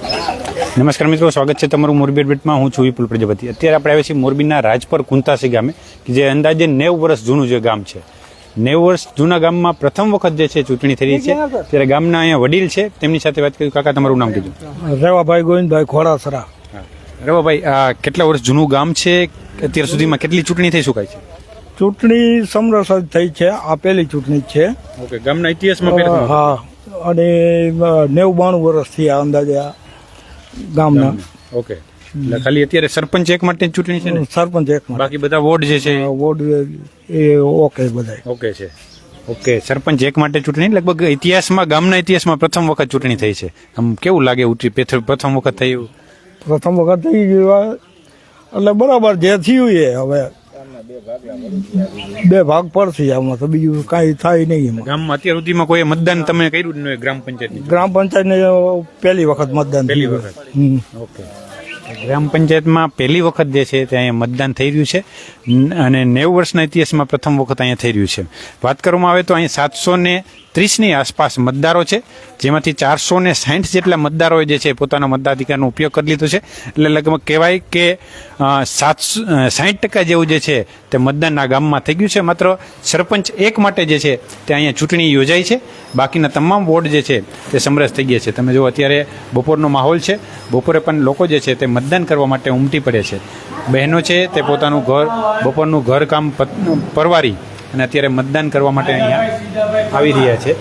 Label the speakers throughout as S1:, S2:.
S1: નમસ્કાર મિત્રો, સ્વાગત છે તમારું મોરબી અપડેટમાં. હું છું વિપુલ પ્રજાપતિ. અત્યારે આપણે આવ્યા છીએ મોરબીના રાજપર કુંતાસી ગામે, કે જે અંદાજે 90 વર્ષ જૂનું જે ગામ છે. 90 વર્ષ જૂના ગામમાં પ્રથમ વખત જે છે ચૂંટણી થઈ રહી છે. ત્યારે ગામના અહીંયા વડીલ છે, તેમની સાથે વાત કરી. કાકા, તમારું નામ કીધું?
S2: રેવાભાઈ ગોવિંદભાઈ ખોડાસરા.
S1: રેવાભાઈ, આ કેટલા વર્ષ જૂનું ગામ છે? અત્યાર સુધીમાં કેટલી ચૂંટણી થઈ શકાય છે?
S2: ચૂંટણી સમરસ જ થઈ છે. આ પહેલી ચૂંટણી જ છે.
S1: ઓકે, ગામના ઇતિહાસમાં
S2: હા, અને 90-92 વર્ષથી આ અંદાજે આ ગામના.
S1: ઓકે, એટલે ખાલી અત્યારે સરપંચ એક માટે ચૂંટણી છે ને?
S2: સરપંચ એક માટે.
S1: બાકી બધા વોર્ડ જે છે
S2: વોર્ડ એ ઓકે બધા
S1: ઓકે છે. ઓકે, સરપંચ એક માટે ચૂંટણી લગભગ ઇતિહાસમાં, ગામના ઇતિહાસમાં પ્રથમ વખત ચૂંટણી થઈ છે. આમ કેવું લાગે? પ્રથમ વખત થયું?
S2: પ્રથમ વખત થઈ ગયું એટલે બરાબર જે થયું એ હવે બે ભાગ પડશે. આમાં તો બીજું કાંઈ થાય નહીં.
S1: ગામમાં અત્યાર સુધીમાં કોઈ મતદાન તમે કર્યું જ નહીં? ગ્રામ પંચાયત
S2: ને પહેલી વખત મતદાન.
S1: પહેલી વખત. ઓકે, ગ્રામ પંચાયતમાં પહેલી વખત જે છે તે અહીંયા મતદાન થઈ રહ્યું છે, અને 90 વર્ષના ઇતિહાસમાં પ્રથમ વખત અહીંયા થઈ રહ્યું છે. વાત કરવામાં આવે તો અહીંયા 730ની આસપાસ મતદારો છે, જેમાંથી 460 જેટલા મતદારોએ જે છે પોતાના મતાધિકારનો ઉપયોગ કરી લીધો છે. એટલે લગભગ કહેવાય કે 60% જેવું જે છે તે મતદાન આ ગામમાં થઈ ગયું છે. માત્ર સરપંચ એક માટે જે છે તે અહીંયા ચૂંટણી યોજાઈ છે. બાકીના તમામ વોર્ડ જે છે તે સમરસ થઈ ગયા છે. તમે જો અત્યારે બપોરનો માહોલ છે, બપોરે પણ લોકો જે છે તે મતદાન કરવા માટે ઉમટી પડે છે. બહેનો છે તે પોતાનું બપોરનું ઘર કામ પરવારી અને અત્યારે મતદાન કરવા માટે અહીંયા આવી રહ્યા છે.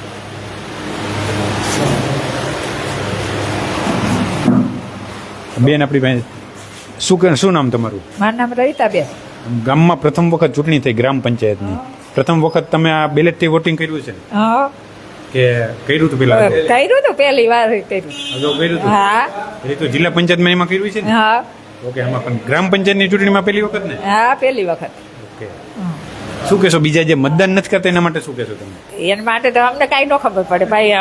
S1: બેન, આપણી પાસે શું નામ તમારું?
S3: મારું નામ રવિતાબેન.
S1: ગામમાં પ્રથમ વખત ચૂંટણી થઈ ગ્રામ પંચાયતની. પ્રથમ વખત તમે આ બેલેટથી વોટિંગ કર્યું છે
S3: હા,
S1: કે કર્યું હતું? પેલા
S3: કર્યું હતું, પહેલી વાર કર્યું.
S1: કર્યું હતું?
S3: હા,
S1: એ તો જિલ્લા પંચાયતમાં એમાં કર્યું છે ને?
S3: હા.
S1: ઓકે, આમાં પણ ગ્રામ પંચાયતની ચૂંટણીમાં પહેલી વખત ને?
S3: હા, પહેલી વખત.
S1: ઓકે, શું કહેશો? બીજા જે મતદાન નથી કરતા એના માટે શું કહેશો તમે?
S3: એના માટે તો અમને કાંઈ ન ખબર પડે ભાઈ.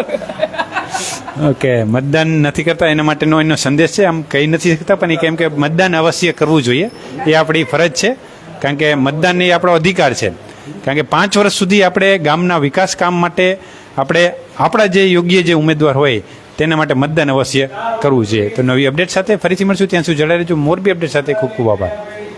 S1: ઓકે, મતદાન નથી કરતા એના માટેનો એનો સંદેશ છે. આમ કહી નથી શકતા, પણ એ કેમ કે મતદાન અવશ્ય કરવું જોઈએ, એ આપણી ફરજ છે. કારણ કે મતદાન એ આપણો અધિકાર છે. કારણ કે 5 વર્ષ સુધી આપણે ગામના વિકાસ કામ માટે આપણા જે યોગ્ય જે ઉમેદવાર હોય તેના માટે મતદાન અવશ્ય કરવું જોઈએ. તો નવી અપડેટ સાથે ફરીથી મળશું. ત્યાં સુધી જોડાઈ રહેજો મોરબી અપડેટ સાથે. ખૂબ ખૂબ આભાર.